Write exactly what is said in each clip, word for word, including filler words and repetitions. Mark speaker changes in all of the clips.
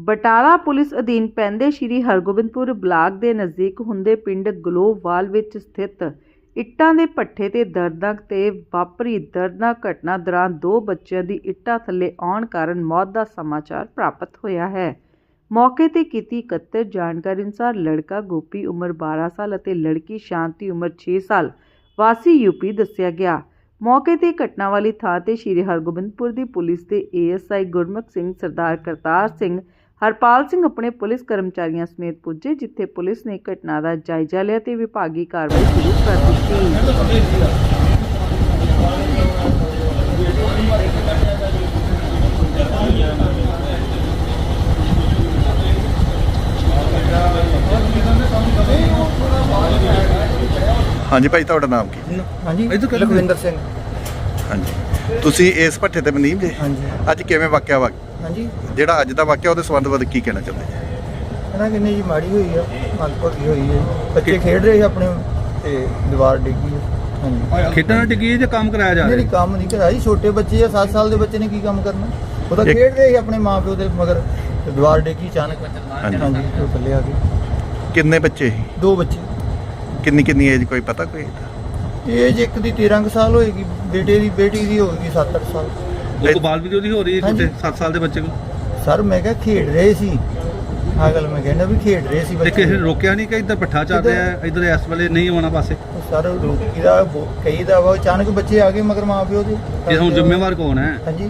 Speaker 1: Batala police ਅਧੀਨ ਪੈਂਦੇ ਸ਼੍ਰੀ Hargobindpur block ਦੇ ਨਜ਼ਦੀਕ ਹੁੰਦੇ ਪਿੰਡ ਗਲੋਵਾਲ ਵਿੱਚ ਸਥਿਤ ਇੱਟਾਂ ਦੇ ਭੱਠੇ ਤੇ ਦਰਦਨਾਕ ਤੇ ਵਾਪਰੀ ਦਰਦਨਾਕ ਘਟਨਾ ਦੌਰਾਨ ਦੋ ਬੱਚਿਆਂ ਦੀ ਇੱਟਾਂ ਥੱਲੇ ਆਉਣ ਕਾਰਨ ਮੌਤ ਦਾ ਸਮਾਚਾਰ ਪ੍ਰਾਪਤ ਹੋਇਆ ਹੈ। ਮੌਕੇ ਤੇ ਕੀਤੀ ਇਕੱਤਰ ਜਾਣਕਾਰੀ ਅਨੁਸਾਰ ਲੜਕਾ ਗੋਪੀ ਉਮਰ ਬਾਰਾਂ ਸਾਲ ਅਤੇ ਲੜਕੀ ਸ਼ਾਂਤੀ ਉਮਰ ਛੇ ਸਾਲ ਵਾਸੀ ਯੂਪੀ ਦੱਸਿਆ ਗਿਆ। ਮੌਕੇ ਤੇ ਘਟਨਾ ਵਾਲੀ ਥਾਂ ਤੇ ਸ਼੍ਰੀ ਹਰਗੋਬਿੰਦਪੁਰ ਦੀ ਪੁਲਿਸ ਦੇ A S I Gurmukh Singh, Sardar Kartar Singh, Harpal Singh ਆਪਣੇ ਪੁਲਿਸ ਕਰਮਚਾਰੀਆਂ ਸਮੇਤ ਪੁੱਜੇ, ਜਿੱਥੇ ਪੁਲਿਸ ਨੇ ਘਟਨਾ ਦਾ ਜਾਇਜ਼ਾ ਲਿਆ ਤੇ ਵਿਭਾਗੀ ਕਾਰਵਾਈ ਸ਼ੁਰੂ ਕਰ ਦਿੱਤੀ।
Speaker 2: हाँ जी भाई, तुहाडा नाम की?
Speaker 3: हाँ जी, लखविंदर सिंह।
Speaker 2: हाँ जी, तुसी इस भट्ठे ते मनीम जे?
Speaker 3: हाँ जी।
Speaker 2: अज किवें वाकिया वा
Speaker 3: हाँ जी,
Speaker 2: जेड़ा अज दा वाकिया ਉਹਦੇ ਸੰਬੰਧ ਵਿੱਚ ਕੀ ਕਹਿਣਾ ਚਾਹੁੰਦੇ ਜੀ?
Speaker 3: ਇਹਨਾਂ ਕਿੰਨੀ ਜੀ ਮਾੜੀ ਹੋਈ ਆ, ਮੰਦਭਾਗੀ ਹੋਈ ਹੈ। ਬੱਚੇ ਖੇਡ ਰਹੇ ਸੀ ਆਪਣੇ ਤੇ ਦੀਵਾਰ ਡਿੱਗੀ ਹੈ। ਹਾਂਜੀ,
Speaker 4: ਖੇਡਾਂ ਡਿੱਗੀ ਹੈ ਜਾਂ ਕੰਮ ਕਰਾਇਆ ਜਾ
Speaker 3: ਨਹੀਂ
Speaker 4: ਰਿਹਾ?
Speaker 3: ਕੰਮ ਨਹੀਂ ਕਰਾਇਆ ਜੀ, ਛੋਟੇ ਬੱਚੇ ਆ, ਸੱਤ ਸਾਲ ਦੇ ਬੱਚੇ ਨੇ ਕੀ ਕੰਮ ਕਰਨਾ। ਉਹ ਤਾਂ
Speaker 2: ਇੱਕ-
Speaker 3: ਖੇਡ ਰਹੇ ਸੀ ਆਪਣੇ ਮਾਂ ਪਿਓ ਦੇ ਮਗਰ, ਤੇ ਦੀਵਾਰ ਡਿੱਗੀ ਅਚਾਨਕ।
Speaker 2: ਹਾਂਜੀ।
Speaker 3: ਹਾਂਜੀ, ਉਹ ਥੱਲੇ ਆ ਗਏ।
Speaker 2: ਕਿੰਨੇ ਬੱਚੇ ਸੀ?
Speaker 3: ਦੋ ਬੱਚੇ,
Speaker 2: ਕਿੰਨੀ ਕਿੰਨੀ ਏਜ ਕੋਈ ਪਤਾ ਕੋਈ?
Speaker 3: ਏਜ ਇੱਕ ਦੀ ਤੇਰਾਂ ਕੁ ਸਾਲ ਹੋਏਗੀ, ਬੇਟੇ ਦੀ ਬੇਟੀ ਦੀ ਹੋਏਗੀ ਸੱਤ ਅੱਠ ਸਾਲ।
Speaker 4: ਉਹ ਤੋਂ ਬਾਲ ਵੀਡੀਓ ਦੀ ਹੋ ਰਹੀ ਹੈ
Speaker 3: ਹਾਂਜੀ।
Speaker 4: ਛੋਟੇ ਸੱਤ ਸਾਲ ਦੇ ਬੱਚੇ ਨੂੰ।
Speaker 3: ਸਰ ਮੈਂ ਕਿਹਾ ਖੇਡ ਰਹੇ ਸੀ, ਆਹ ਗੱਲ ਮੈਂ ਕਹਿੰਦਾ ਵੀ ਖੇਡ ਰਹੇ ਸੀ
Speaker 4: ਤੇ
Speaker 3: ਬੱਚੇ।
Speaker 4: ਕਿਸੇ ਨੇ ਰੋਕਿਆ ਨਹੀਂ ਕਿ ਇੱਧਰ ਪੱਠਾ ਚੱਲ ਰਿਹਾ ਹੈ, ਇੱਧਰ ਇਸ ਵੇਲੇ ਨਹੀਂ ਆਉਣਾ ਪਾਸੇ?
Speaker 3: ਸਰ ਰੋਕੀ ਦਾ ਕਈ ਦਾ ਵਾ, ਅਚਾਨਕ ਬੱਚੇ ਆ ਗਏ ਮਗਰ ਮਾਂ ਪਿਓ ਦੇ।
Speaker 4: ਇਹ ਹੁਣ ਜ਼ਿੰਮੇਵਾਰ ਕੌਣ ਹੈ?
Speaker 3: ਹਾਂਜੀ,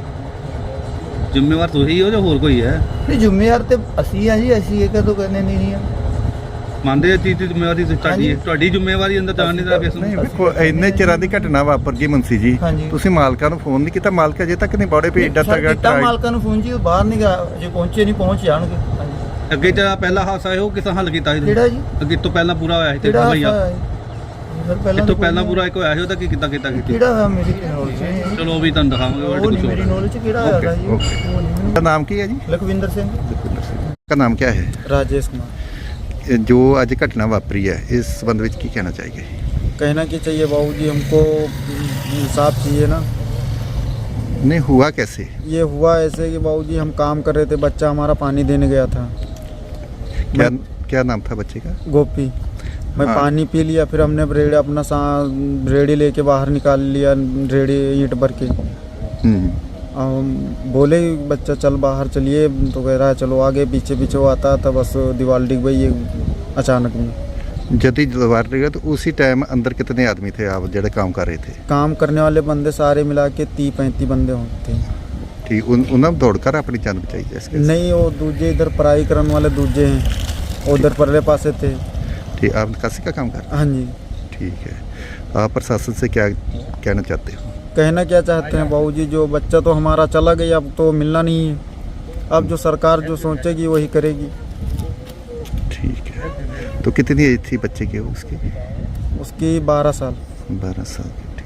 Speaker 4: ਜ਼ਿੰਮੇਵਾਰ ਤੁਸੀਂ ਹੋ ਜਾਂ ਹੋਰ ਕੋਈ ਹੈ?
Speaker 3: ਨਹੀਂ ਜ਼ਿੰਮੇਵਾਰ ਤੇ ਅਸੀਂ ਆ ਜੀ, ਅਸੀਂ ਇਹ ਕਦੋਂ ਕਰਨੇ ਨਹੀਂ ਆ।
Speaker 4: ਮੰਨਦੇ ਆ ਚੀਜ਼ ਦੀ ਜ਼ਿੰਮੇਵਾਰੀ ਤੁਹਾਡੀ ਹੈ? ਤੁਹਾਡੀ ਜ਼ਿੰਮੇਵਾਰੀ ਅੰਦਰ ਜਾਣ ਨਹੀਂ ਦਾ ਕਿਸ
Speaker 2: ਨਹੀਂ
Speaker 4: ਨੂੰ?
Speaker 2: ਵੇਖੋ, ਇੰਨੇ ਚਿਰਾਂ ਦੀ ਘਟਨਾ ਵਾਪਰ ਗਈ ਮੁੰਸੀ ਜੀ,
Speaker 3: ਹਾਂਜੀ।
Speaker 2: ਤੁਸੀਂ ਮਾਲਕਾਂ ਨੂੰ ਫੋਨ ਨਹੀਂ ਕੀਤਾ? ਮਾਲਕ ਅਜੇ ਤੱਕ ਨਹੀਂ ਬੜੇ ਵੀ ਏਡਾ
Speaker 3: ਸਰ,
Speaker 2: ਤੱਕ
Speaker 3: ਕੀਤਾ ਮਾਲਕਾਂ ਨੂੰ ਫੋਨ ਜੀ, ਉਹ ਬਾਹਰ ਨਹੀਂ ਗਿਆ, ਜੇ ਪਹੁੰਚੇ ਨਹੀਂ ਪਹੁੰਚ ਜਾਣਗੇ। ਹਾਂਜੀ।
Speaker 4: ਅੱਗੇ ਜਿਹੜਾ ਪਹਿਲਾ ਹਾਦਸਾ ਹੈ ਉਹ ਕਿਸਾਂ ਹੱਲ ਕੀਤਾ ਸੀ?
Speaker 3: ਕਿਹੜਾ ਜੀ?
Speaker 4: ਅੱਗੇ ਤੋਂ ਪਹਿਲਾਂ ਪੂਰਾ ਹੋਇਆ ਸੀ ਤੇ
Speaker 3: ਕਿਹੜਾ
Speaker 4: ਭਈਆ
Speaker 3: ਹਾਦਸਾ ਹੋਇਆ ਜੀ? ਸਰ ਪਹਿਲਾਂ
Speaker 4: ਇਸ ਤੋਂ
Speaker 3: ਤਾਂ
Speaker 4: ਪਹਿਲਾਂ
Speaker 3: ਕੋਈ
Speaker 4: ਪੂਰਾ ਇੱਕ ਹੋਇਆ ਸੀ, ਉਹਦਾ ਕੀ ਕੀਤਾ ਕੀਤਾ ਕੀਤੀ?
Speaker 3: ਕਿਹੜਾ ਹੋਇਆ ਮੇਰੀ ਨੌਲੇਜ ਨਹੀਂ।
Speaker 4: ਚਲੋ ਉਹ ਵੀ ਤੁਹਾਨੂੰ ਦਿਖਾਵਾਂਗੇ।
Speaker 3: ਉਹ
Speaker 4: ਉਹ
Speaker 3: ਨਹੀਂ ਮੇਰੀ ਨੌਲੇਜ ਕਿਹੜਾ ਹੋਇਆ ਜੀ, ਉਹ ਨਹੀਂ
Speaker 2: का
Speaker 3: ਮੈਨੂੰ।
Speaker 2: नाम की है जी?
Speaker 3: लखविंदर सिंह।
Speaker 2: का नाम क्या है?
Speaker 3: राजेश कुमार।
Speaker 2: जो आज घटना वापरी है इस संबंध में की कहना चाहिए?
Speaker 3: कहना क्या चाहिए बाबूजी, हमको इंसाफ चाहिए ना।
Speaker 2: नहीं हुआ कैसे?
Speaker 3: ये हुआ ऐसे कि बाबूजी हम काम कर रहे थे, बच्चा हमारा पानी देने गया था।
Speaker 2: क्या क्या नाम था बच्चे का?
Speaker 3: गोपी। मैं
Speaker 2: हाँ।
Speaker 3: पानी पी लिया, फिर हमने रेड़ी अपना सा रेड़ी लेके बाहर निकाल लिया, रेड़ी ईंट भर के।
Speaker 2: हम्म,
Speaker 3: हम बोले बच्चा चल बाहर चलिए, तो कह रहा है चलो आगे। पीछे पीछे वो आता था, बस दीवार डिग गई अचानक में।
Speaker 2: जब ही दीवार लगा तो उसी टाइम अंदर कितने आदमी थे आप जो काम कर रहे थे?
Speaker 3: काम करने वाले बंदे सारे मिला के तीस पैंतीस बंदे होते हैं।
Speaker 2: ठीक, उन उन्होंने दौड़कर अपनी जान बचाई जैसे?
Speaker 3: नहीं, वो दूजे इधर पढ़ाई करने वाले दूजे हैं, उधर परले पासे थे।
Speaker 2: ठीक, आप निकासी का काम कर रहे
Speaker 3: हाँ जी।
Speaker 2: हैं? ठीक है, आप प्रशासन से क्या कहना चाहते हो?
Speaker 3: कहना क्या चाहते हैं बाबूजी, जो बच्चा तो हमारा चला गया, अब तो मिलना नहीं है। अब जो सरकार जो सोचेगी वही करेगी।
Speaker 2: ठीक है, तो कितनी एज थी बच्चे की उसकी?
Speaker 3: उसकी बारह साल।
Speaker 2: बारह साल की।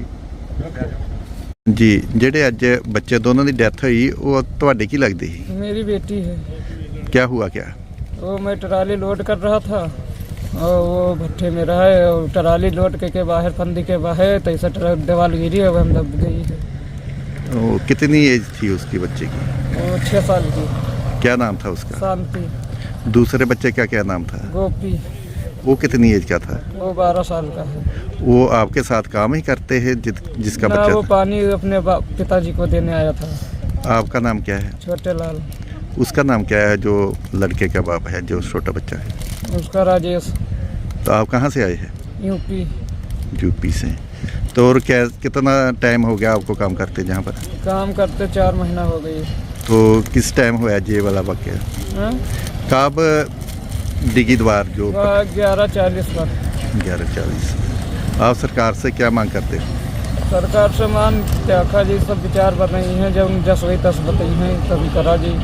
Speaker 2: ठीक जी, ਜਿਹੜੇ ਅੱਜ ਬੱਚੇ ਦੋਨੋਂ ਦੀ ਡੈਥ ਹੋਈ ਉਹ ਤੁਹਾਡੇ ਕੀ ਲੱਗਦੀ ਸੀ?
Speaker 5: मेरी बेटी है।
Speaker 2: क्या हुआ क्या?
Speaker 5: वो मैं ट्राली लोड कर रहा था और वो भट्ठे में रहा है, और ट्राली लोड के, के बाहर फंदी के बाहर तैसा ट्रक दीवार गिरी है, वो हम दब गई है।
Speaker 2: वो कितनी एज थी उसकी बच्चे की?
Speaker 5: वो छः साल की।
Speaker 2: क्या नाम था उसका?
Speaker 5: शांति।
Speaker 2: दूसरे बच्चे का क्या नाम था?
Speaker 5: गोपी।
Speaker 2: वो कितनी एज का था?
Speaker 5: वो बारह साल का है।
Speaker 2: वो आपके साथ काम ही करते हैं जित, जिसका
Speaker 5: ना,
Speaker 2: बच्चा
Speaker 5: वो
Speaker 2: था?
Speaker 5: पानी अपने बा- पिताजी को देने आया था।
Speaker 2: आपका नाम क्या है?
Speaker 5: छोटे लाल।
Speaker 2: उसका नाम क्या है जो लड़के का बाप है जो छोटा बच्चा है?
Speaker 5: उसका राजेश।
Speaker 2: तो आप कहाँ से आए हैं?
Speaker 5: यूपी।
Speaker 2: यूपी से। तो और क्या कितना टाइम हो गया आपको काम करते जहाँ पर?
Speaker 5: काम करते चार महीना हो गई।
Speaker 2: तो किस टाइम हुआ ये वाला वाक्य?
Speaker 5: हाँ?
Speaker 2: कब डिगी द्वार जो
Speaker 5: ग्यारह चालीस पर।
Speaker 2: ग्यारह चालीस। आप सरकार से क्या मांग करते हो?
Speaker 5: सरकार से मान त्याखा जी सब विचार बन रही हैं, जब दस वही दस बताई हैं तभी करा जी।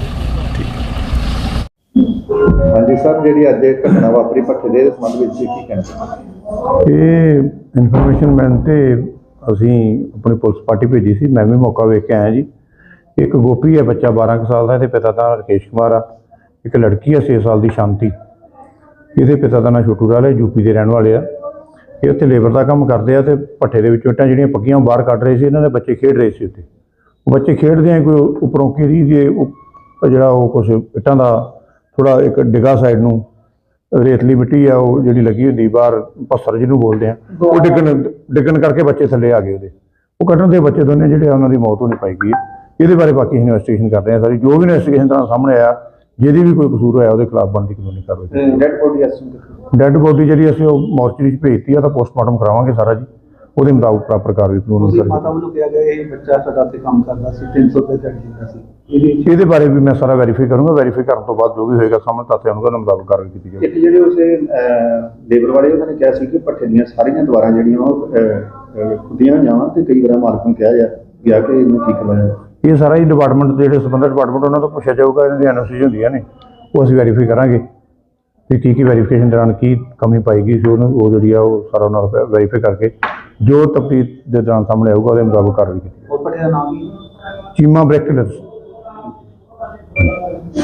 Speaker 2: हाँ जी सर, जी अज घटना वापरी भट्ठे के संबंध में की कहना चाहते?
Speaker 6: ਇਹ ਇਨਫੋਰਮੇਸ਼ਨ ਮਿਲਣ ਤੇ ਅਸੀਂ ਆਪਣੀ ਪੁਲਿਸ ਪਾਰਟੀ ਭੇਜੀ ਸੀ। ਮੈਂ ਵੀ ਮੌਕਾ ਵੇਖ ਕੇ ਆਇਆ ਜੀ। ਇੱਕ ਗੋਪੀ ਹੈ ਬੱਚਾ ਬਾਰਾਂ ਕੁ ਸਾਲ ਦਾ, ਇਹਦੇ ਪਿਤਾ ਦਾ ਰਕੇਸ਼ ਕੁਮਾਰ ਆ। ਇੱਕ ਲੜਕੀ ਹੈ ਛੇ ਸਾਲ ਦੀ ਸ਼ਾਂਤੀ, ਇਹਦੇ ਪਿਤਾ ਦਾ ਨਾਂ ਛੋਟੂ ਲਾਲ ਹੈ, ਯੂਪੀ ਦੇ ਰਹਿਣ ਵਾਲੇ ਆ। ਇਹ ਉੱਥੇ ਲੇਬਰ ਦਾ ਕੰਮ ਕਰਦੇ ਆ ਤੇ ਭੱਠੇ ਦੇ ਵਿੱਚੋਂ ਇੱਟਾਂ ਜਿਹੜੀਆਂ ਪੱਕੀਆਂ ਬਾਹਰ ਕੱਢ ਰਹੇ ਸੀ। ਇਹਨਾਂ ਦੇ ਬੱਚੇ ਖੇਡ ਰਹੇ ਸੀ ਉੱਥੇ। ਉਹ ਬੱਚੇ ਖੇਡਦੇ ਆ ਕੋਈ ਉੱਪਰੋਂ ਕਿਰੀ ਦੇ ਉਹ ਜਿਹੜਾ ਉਹ ਕੁਛ ਇੱਟਾਂ ਦਾ ਥੋੜਾ ਇੱਕ ਡਿੱਗਾ ਸਾਈਡ ਨੂੰ ਰੇਤਲੀ ਮਿੱਟੀ ਆ ਉਹ ਜਿਹੜੀ ਲੱਗੀ ਹੁੰਦੀ ਬਾਹਰ ਪੱਥਰ ਜਿਹਨੂੰ ਬੋਲਦੇ ਆ ਉਹ ਡਿੱਗਣ ਡਿੱਗਣ ਕਰਕੇ ਬੱਚੇ ਥੱਲੇ ਆ ਗਏ ਉਹਦੇ ਉਹ ਕੱਢਣ ਦੇ ਬੱਚੇ ਦੋਨੇ ਜਿਹੜੇ ਉਹਨਾਂ ਦੀ ਮੌਤ ਹੋਣੀ ਪਾਈ ਗਈ ਹੈ। ਇਹਦੇ ਬਾਰੇ ਬਾਕੀ ਇਨਵੈਸਟੀਗੇਸ਼ਨ ਕਰ ਰਹੇ ਆ ਸਾਰੀ ਜੋ ਵੀ ਇਨਵੈਸਟੀਗੇਸ਼ਨ ਤਰ੍ਹਾਂ ਸਾਹਮਣੇ ਆਇਆ ਜਿਹਦੀ ਵੀ ਕੋਈ ਕਸੂਰ ਹੋਇਆ ਉਹਦੇ ਖਿਲਾਫ ਬਣਦੀ ਕਾਨੂੰਨੀ ਕਾਰਵਾਈ।
Speaker 4: ਡੈਡ ਬੋਡੀ
Speaker 6: ਡੈੱਡ ਬੋਡੀ ਜਿਹੜੀ ਅਸੀਂ ਉਹ ਮੋਰਚਰੀ 'ਚ ਭੇਜਤੀ ਆ ਤਾਂ ਪੋਸਟਮਾਰਟਮ ਕਰਾਵਾਂਗੇ ਸਾਰਾ ਜੀ ਉਹਦੇ ਮੁਤਾਬਕ ਪ੍ਰਾਪਰ ਕਾਰਵਾਈ ਕਾਨੂੰਨੀ
Speaker 4: ਮਾਤਾ
Speaker 6: ਕਰਾਂਗੇ।
Speaker 4: ਵੱਲੋਂ ਕਿਹਾ ਗਿਆ ਇਹ ਬੱਚਾ ਸਾਡਾ ਤੇ ਕੰਮ ਕਰਦਾ ਸੀ ਤਿੰਨ ਸੌ ਰੁਪਏ ਦਿਹਾੜੀ ਦਿੰਦਾ ਸੀ ਇਹਦੇ
Speaker 6: ਇਹਦੇ ਬਾਰੇ ਵੀ ਮੈਂ ਸਾਰਾ ਵੈਰੀਫਾਈ ਕਰੂੰਗਾ ਵੈਰੀਫਾਈ ਕਰਨ ਤੋਂ ਬਾਅਦ ਜੋ ਵੀ ਹੋਏਗਾ ਸਾਹਮਣੇ ਤੱਥ ਆਉਣਗੇ ਉਹਨਾਂ ਮੁਤਾਬਕ ਕਾਰਵਾਈ ਕੀਤੀ ਜਾਵੇਗੀ।
Speaker 7: ਇੱਕ ਜਿਹੜੇ ਉਸੇ ਲੇਬਰ ਵਾਲੇ ਉਹਨਾਂ ਨੇ ਕਿਹਾ ਸੀ ਕਿ ਭੱਠੇ ਦੀਆਂ ਸਾਰੀਆਂ ਦੀਵਾਰਾਂ ਜਿਹੜੀਆਂ ਉਹ ਖੁੱਦੀਆਂ ਜਾਵਾਂ ਤੇ ਕਈ ਵਾਰ ਮਾਲਕ ਨੂੰ ਕਿਹਾ ਜਾ ਗਿਆ ਕਿ ਇਹਨੂੰ ਠੀਕ ਕਰਵਾਇਆ।
Speaker 6: ਇਹ ਸਾਰਾ ਹੀ ਡਿਪਾਰਟਮੈਂਟ ਜਿਹੜੇ ਸੰਬੰਧਿਤ ਡਿਪਾਰਟਮੈਂਟ ਉਹਨਾਂ ਤੋਂ ਪੁੱਛਿਆ ਜਾਊਗਾ ਇਹਨਾਂ ਦੀ ਐਨਓਸੀ ਹੁੰਦੀਆਂ ਨੇ ਉਹ ਅਸੀਂ ਵੈਰੀਫਾਈ ਕਰਾਂਗੇ ਵੀ ਕੀ ਕੀ ਵੈਰੀਫਿਕੇਸ਼ਨ ਦੌਰਾਨ ਕੀ ਕਮੀ ਪਾਈ ਗਈ ਸੀ ਉਹਨੂੰ ਉਹ ਜਿਹੜੀ ਆ ਉਹ ਸਾਰਾ ਉਹਨਾਂ ਨੂੰ ਵੈਰੀਫਾਈ ਕਰਕੇ ਜੋ ਤਫਤੀਸ਼ ਦੇ ਦੌਰਾਨ ਸਾਹਮਣੇ ਆਊਗਾ ਉਹਦੇ ਮੁਤਾਬਕ ਕਾਰਵਾਈ ਕੀਤੀ
Speaker 4: ਉਹ ਭੱਠੇ ਦਾ ਨਾਮ ਕੀ
Speaker 6: ਚੀਮਾ ਬ੍ਰੈਕਟਲਸ